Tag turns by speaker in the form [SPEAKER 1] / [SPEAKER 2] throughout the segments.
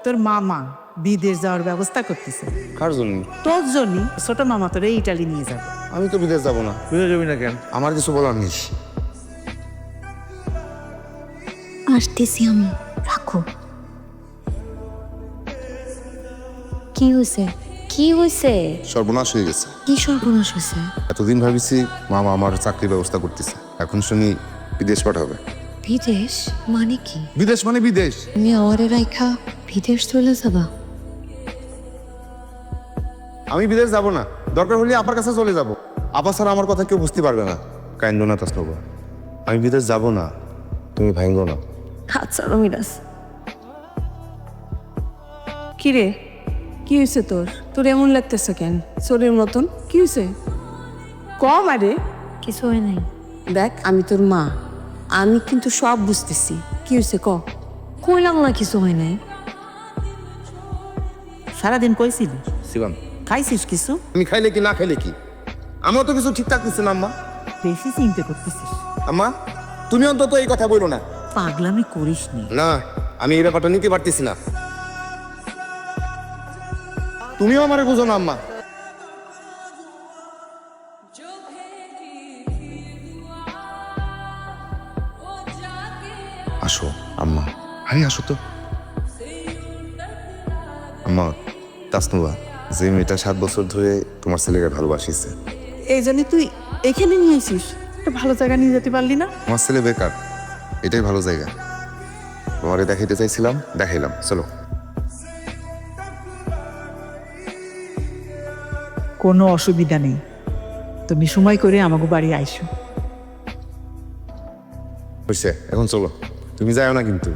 [SPEAKER 1] তোর মামা বিদেশ যাওয়ার ব্যবস্থা করতেছে।
[SPEAKER 2] কার জন্য?
[SPEAKER 1] তোর জন্য ছোট মামা তোরে ইটালি নিয়ে যাবে।
[SPEAKER 2] আমি তো বিদেশ যাব না।
[SPEAKER 3] বিদেশ যাবি না কেন?
[SPEAKER 2] আমার কিছু বলার নেই।
[SPEAKER 4] আসতেছি আমি, রাখো। কি হয়েছে? কি হয়েছে?
[SPEAKER 2] সর্বনাশ হয়ে গেছে।
[SPEAKER 4] কি সর্বনাশ হয়েছে?
[SPEAKER 2] এতদিন ভাবিছি মামা আমার চাকরির ব্যবস্থা করতেছে, এখন শুনি বিদেশ পাঠাবে।
[SPEAKER 4] বিদেশ মানে কি?
[SPEAKER 2] বিদেশ মানে বিদেশ।
[SPEAKER 4] তুমি আমারে রাইখা বিদেশ চলে যাবা?
[SPEAKER 2] আমি বিদেশ যাব না, দরকার হলে আপার কাছে চলে যাব। আপা ছাড়া আমার কথা কেউ বুঝতে পারবে না। কাইন্দ না তাসনবা, আমি বিদেশ যাব না, তুমি ভাঙ্গো না।
[SPEAKER 4] আচ্ছা মিরাজ,
[SPEAKER 5] কি রে, কি হয়েছে তোর? তোর এমন লাগতেছে কেন? শরীর মতন কি হয়েছে? কম আরে।
[SPEAKER 4] কিছু হয় নাই।
[SPEAKER 5] দেখ আমি তোর মা, আমি কিন্তু সব বুঝতেছি। কি হয়েছে ক?
[SPEAKER 4] কইলাম না কিছু হয় নাই।
[SPEAKER 1] সারাদিন কইছিলি,
[SPEAKER 2] শিবাম,
[SPEAKER 1] খাইছিস কিছু?
[SPEAKER 2] আমি খাইলে কি না খাইলে কি, আমার তো কিছু ঠিকঠাক দিচ্ছে না। আম্মা,
[SPEAKER 1] বেশি চিন্তা করতেছিস।
[SPEAKER 2] আম্মা তুমি অন্তত এই কথা বলো না।
[SPEAKER 1] পাগলামি করিস নি।
[SPEAKER 2] না, আমি এই ব্যাপারটা নিতে পারতেছি না। তুমিও আমারে বুঝো না আম্মা। আসো আম্মা, আরে আসো তো। আম্মা, তাসনুবা যে মেয়েটা 7 বছর ধরে তোমার ছেলেকে ভালোবাসিছে,
[SPEAKER 5] এই জন্য তুই এখানে নিয়ে আসিস? একটা ভালো জায়গা নিয়ে যেতে পারলি না?
[SPEAKER 2] আমার ছেলে বেকার, এটাই ভালো জায়গা। তোমারে দেখাইতে চাইছিলাম, দেখাইলাম, চলো।
[SPEAKER 1] কোনো অসুবিধা নেই, তুমি সময় করে আমাকে বাড়ি আইসো।
[SPEAKER 2] হয়েছে, এখন চলো। তুমি যাও না কিন্তু,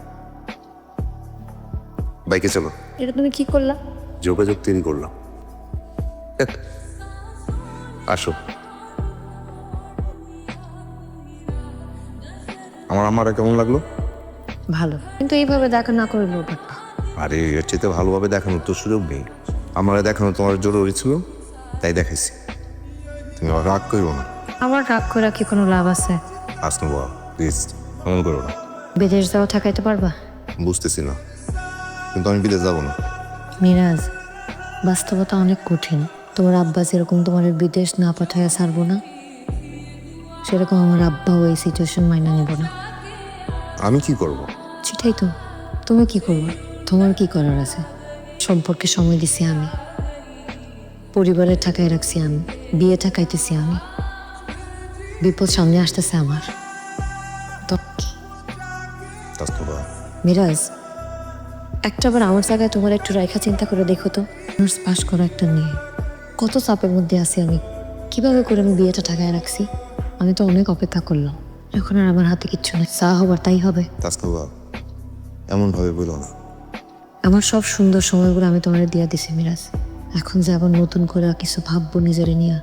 [SPEAKER 2] বাইকে চলো।
[SPEAKER 4] এটা তুমি কি করলা?
[SPEAKER 2] যোগাযোগ তৈরি করলাম। আসো। আমার আম্মারা কেমন লাগলো?
[SPEAKER 4] ভালো, কিন্তু এইভাবে দেখা না করে লোক।
[SPEAKER 2] আরে এর চেয়ে ভালোভাবে দেখানোর তো সুযোগ নেই। আমার দেখানো তোমার জরুরি ছিল, তাই দেখাইছি। তুমি আবার রাগ করবো না।
[SPEAKER 4] আমার রাগ করে কি কোনো লাভ আছে?
[SPEAKER 2] আসনো বাবা, প্লিজ এমন করো না।
[SPEAKER 4] বিদেশ যাওয়া ঠেকাইতে পারবা?
[SPEAKER 2] বুঝতেছি না, কিন্তু আমি বিদেশ যাবো না।
[SPEAKER 4] মিরাজ, বাস্তবতা অনেক কঠিন। তোমার আব্বা যেরকম তোমার বিদেশ না পাঠায় ছাড়বো না, সেরকম আমার আব্বাও এই সিচুয়েশন মাইনা নেব না।
[SPEAKER 2] আমি কি করব?
[SPEAKER 4] সেটাই তো, তুমি কি করবে? তোমার কি করার আছে? সম্পর্কে সময় দিছি আমি, পরিবারের ঠাকায় রাখছি আমি, বিয়ে ঠাকাইতেছি আমি, বিপদ সামনে আসতেছে আমার। তো কি?
[SPEAKER 2] তাসনুবা,
[SPEAKER 4] মিরাজ, একটাবার আমার জায়গায় তোমার একটু রাইখা চিন্তা করে দেখো তো। অনার্স পাস করা একটা মেয়ে, কত চাপের মধ্যে আছি আমি, কিভাবে করে আমি বিয়েটা ঠাকায় রাখছি। আমি তো অনেক অপেক্ষা করলাম, এখন আর আমার হাতে কিচ্ছু নেই, যা হবার তাই হবে।
[SPEAKER 2] তাসনুবা এমন ভাবে বলো না।
[SPEAKER 4] আমার সব সুন্দর সময়গুলো আমি তোমার দিয়া দিছি মিরাজ, এখন যে আবার নতুন করে কিছু ভাববো নিজেরে নিয়ে,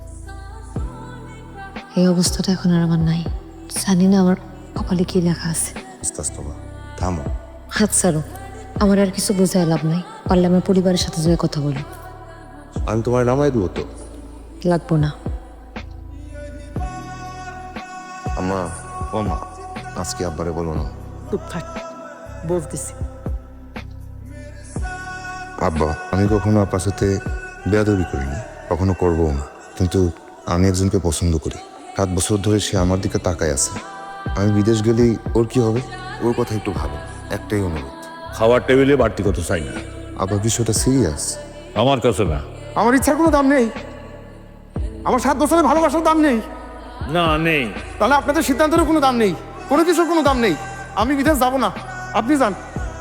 [SPEAKER 4] এই অবস্থাটা এখন আর আমার নাই। জানি না আমার কপালে কি লেখা আছে।
[SPEAKER 2] তাসনুবা থামো।
[SPEAKER 4] হাত ছাড়ো, আমার আর কিছু বোঝায় লাভ নাই। পারলে আমার পরিবারের সাথে যেয়ে কথা বলো।
[SPEAKER 2] আমি তোমার নামাই দেবো তো।
[SPEAKER 4] লাগবো না।
[SPEAKER 2] আম্মা, ও মা, আজকে আব্বারে বলো না।
[SPEAKER 1] চুপ থাক, বলতেছি।
[SPEAKER 2] আব্বা, আমি কখনো আপনার সাথে বেয়াদবি করিনি, কখনো করবো না, কিন্তু আমি একজনকে পছন্দ করি। 7 বছর ধরে সে আমার দিকে তাকায় আছে। আমি বিদেশ গেলেই ওর কি হবে? ওর কথা একটু ভালো, একটাই অনুরোধ।
[SPEAKER 3] খাবার টেবিলে বাড়তি কত চাই না,
[SPEAKER 2] আবার বিষয়টা সিরিয়াস।
[SPEAKER 3] আমার কাছে না।
[SPEAKER 2] আমার ইচ্ছার কোনো দাম নেই, আমার 7 বছরের ভালোবাসার দাম নেই।
[SPEAKER 3] না নেই।
[SPEAKER 2] তাহলে আপনাদের সিদ্ধান্তেরও কোনো দাম নেই, কোনো কিছুর কোনো দাম নেই। আমি বিদেশ যাব না, আপনি যান।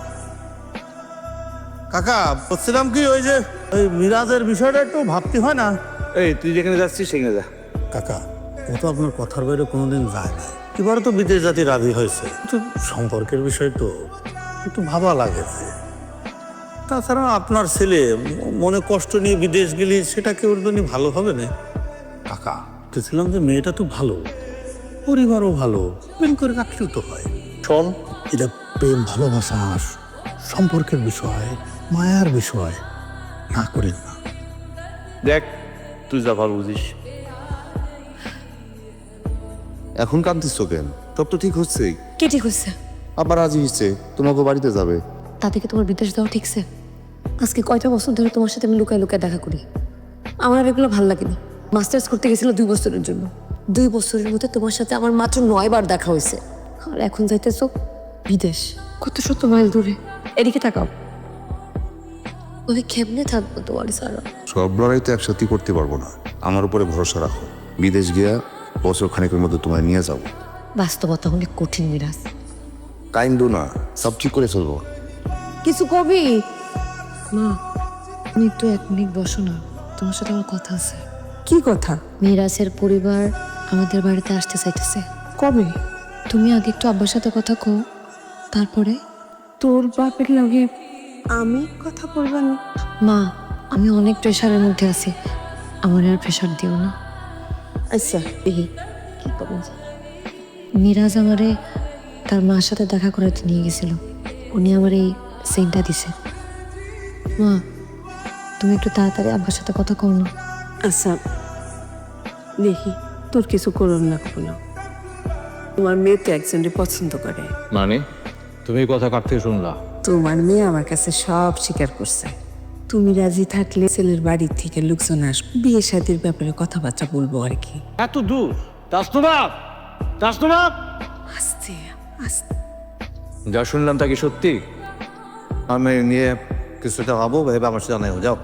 [SPEAKER 3] কাকা বলছিলাম কি, ওই যে ওই মিরাজের বিষয়টা একটু ভাবতে হয় না? এই তুই যেখানে যাচ্ছিস সেখানে যা। কাকা, ও তো আপনার কথার বাইরে কোনোদিন যায় না। এবারে তো বিদেশ জাতি রাজি হয়েছে, কিন্তু সম্পর্কের বিষয় তো একটু ভাবা লাগে। তাছাড়া আপনার ছেলে মনে কষ্ট নিয়ে বিদেশ গেলে সেটা কি ওর জন্য ভালো হবে না? কাকা বলছিলাম যে মেয়েটা তো ভালো, পরিবারও ভালো, প্রেম করে রাখলেও তো হয়। শোন, এটা প্রেম ভালোবাসা সম্পর্কের বিষয়, মায়ার বিষয়, না করেন না।
[SPEAKER 6] দেখ তুই যা ভালো বুঝিস।
[SPEAKER 2] এখন কাঁদতিস কেন? সব তো ঠিক হচ্ছেই।
[SPEAKER 4] কে ঠিক হচ্ছে?
[SPEAKER 2] আবার রাজি হচ্ছে, তোমাকে বাড়িতে যাবে।
[SPEAKER 4] তা থেকে তোমার বিদেশ যাওয়া ঠিকছে? আজকে কয়টা বছর ধরে তোমার সাথে আমি লুকায় লুকায় দেখা করি। আমার আর এগুলো ভালো লাগেনি। মাস্টার্স করতে গেছিল 2 বছরের জন্য। 2 বছরের মধ্যে তোমার সাথে আমার মাত্র 9 বার দেখা হয়েছে। আর এখন যাইতেছো বিদেশ, কত শত মাইল দূরে। এদিকে তাকাও, ওই কেমনে থাকবো তোমার সারা?
[SPEAKER 2] সব লড়াই তো একসাথেই করতে পারবো না, আমার উপরে ভরসা রাখো। বিদেশ গিয়া বছর খানিকের মধ্যে তোমায় নিয়ে যাবো।
[SPEAKER 4] বাস্তবতা অনেক কঠিন মিরাজ।
[SPEAKER 2] কাইন্ডু না, সব ঠিক করে চলবো।
[SPEAKER 4] কিছু কবি? মা, তুমি একটু 1 মিনিট বসো না, তোমার সাথে আমার কথা আছে।
[SPEAKER 5] কি কথা?
[SPEAKER 4] মিরাজের পরিবার আমাদের বাড়িতে আসতে চাইতেছে।
[SPEAKER 5] কবে?
[SPEAKER 4] তুমি আগে একটু আব্বার সাথে কথা কও, তারপরে।
[SPEAKER 5] তোর বাপের লগে আমি কথা বলবেন?
[SPEAKER 4] মা, আমি অনেক প্রেশারের মধ্যে আছি, আমার আর প্রেশার দিও না।
[SPEAKER 5] আচ্ছা,
[SPEAKER 4] দেখি কি করবো। মিরাজ আমারে তার মার সাথে দেখা করাতে নিয়ে গেছিল, উনি আমার এই সেন্টটা দিছে। মা, তুমি একটু তাড়াতাড়ি আব্বার সাথে কথা কও না।
[SPEAKER 5] আচ্ছা দেখি, তোর কিছু করুন না কোনো। তোমার মেয়ে তো একজনকে পছন্দ করে।
[SPEAKER 6] মানে তুমি এই কথা কার থেকে শুনলা?
[SPEAKER 5] তোমার মেয়ে আমার কাছে সব স্বীকার করছে। তুমি রাজি থাকলে ছেলের বাড়ির থেকে লোকজন আসবে, বিয়ে শাদীর ব্যাপারে কথাবার্তা বলবো আর কি।
[SPEAKER 6] এত দূর? তাসনুবাব, তাসনুবাব,
[SPEAKER 5] আস্তে আস্তে।
[SPEAKER 6] যা শুনলাম তা কি সত্যি? আমি নিয়ে কিছুটা ভাবো, ভেবে আমার সাথে জানাই যাও।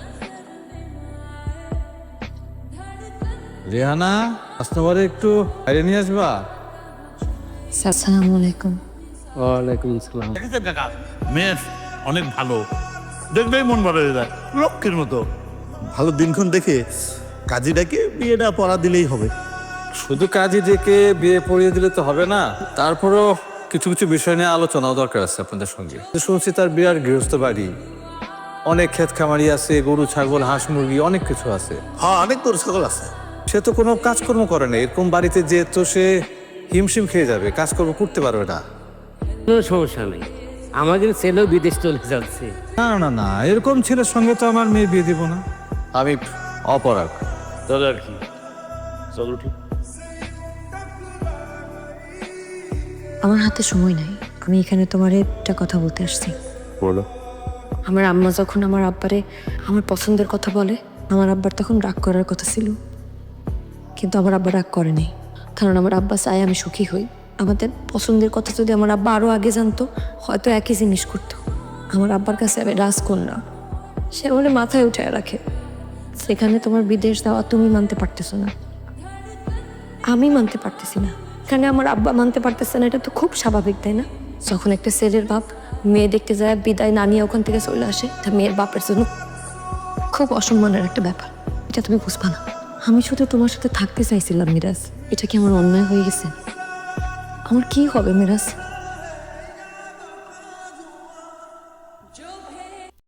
[SPEAKER 6] রেহানা, তাসনুবারে একটু বাইরে নিয়ে আসবা।
[SPEAKER 4] আসসালামু আলাইকুম।
[SPEAKER 6] ওয়ালাইকুম আসসালাম।
[SPEAKER 7] দেখেছেন কাকা, মেয়ে অনেক ভালো, দেখলেই মন ভালো হয়ে যায়, লক্ষ্মীর মতো।
[SPEAKER 3] ভালো দিনক্ষণ দেখে কাজীটাকে বিয়েটা পড়া দিলেই হবে।
[SPEAKER 6] শুধু কাজে ডেকে বিয়ে পড়িয়ে দিলে তো হবে না, তারপরও কিছু কিছু বিষয় নিয়ে আলোচনাও দরকার আছে আপনাদের সঙ্গে। শুনছি তার বিরাট গৃহস্থ বাড়ি, অনেক ক্ষেত খামারি আছে, গরু ছাগল হাঁস মুরগি অনেক কিছু আছে।
[SPEAKER 3] হ্যাঁ, অনেক তোর সকল আছে।
[SPEAKER 6] সে তো কোনো কাজকর্ম করে না, এরকম বাড়িতে যে তো সে হিমশিম খেয়ে যাবে, কাজকর্ম করতে পারবে না।
[SPEAKER 8] কোনো সমস্যা নেই, আমাদের ছেলেও বিদেশ চলে যাচ্ছে।
[SPEAKER 6] না না না, এরকম ছেলের সঙ্গে তো আমার মেয়ে বিয়ে দিব না। আমি অপরাগ।
[SPEAKER 7] চলো আর কি, চলো ঠিক।
[SPEAKER 4] আমার হাতে সময় নাই, আমি এখানে তোমার একটা কথা বলতে আসছি।
[SPEAKER 2] বলো।
[SPEAKER 4] আমার আম্মা যখন আমার আব্বারে আমার পছন্দের কথা বলে, আমার আব্বার তখন রাগ করার কথা ছিল, কিন্তু আমার আব্বা রাগ করেনি, কারণ আমার আব্বা চায় আমি সুখী হই। আমাদের পছন্দের কথা যদি আমার আব্বা আরও আগে জানতো, হয়তো একই জিনিস করতো। আমার আব্বার কাছে আমি রাজকন্যা, সে বলে মাথায় উঠে রাখে। সেখানে তোমার বিদেশ যাওয়া তুমি মানতে পারতেছো না, আমি মানতে পারতেছি না, এখানে আমার আব্বা মানতে পারতেছে না, এটা তো খুব স্বাভাবিক, তাই না? যখন একটা ছেলের বাপ মেয়ে দেখতে যায়, বিদায় না নিয়ে ওখান থেকে চলে আসে, তা মেয়ের বাপের জন্য খুব অসম্মানের একটা ব্যাপার, এটা তুমি বুঝবা না। আমি শুধু তোমার সাথে থাকতে চাইছিলাম মিরাজ, এটা কি আমার অন্যায় হয়ে গেছে? আমার কি হবে মিরাজ?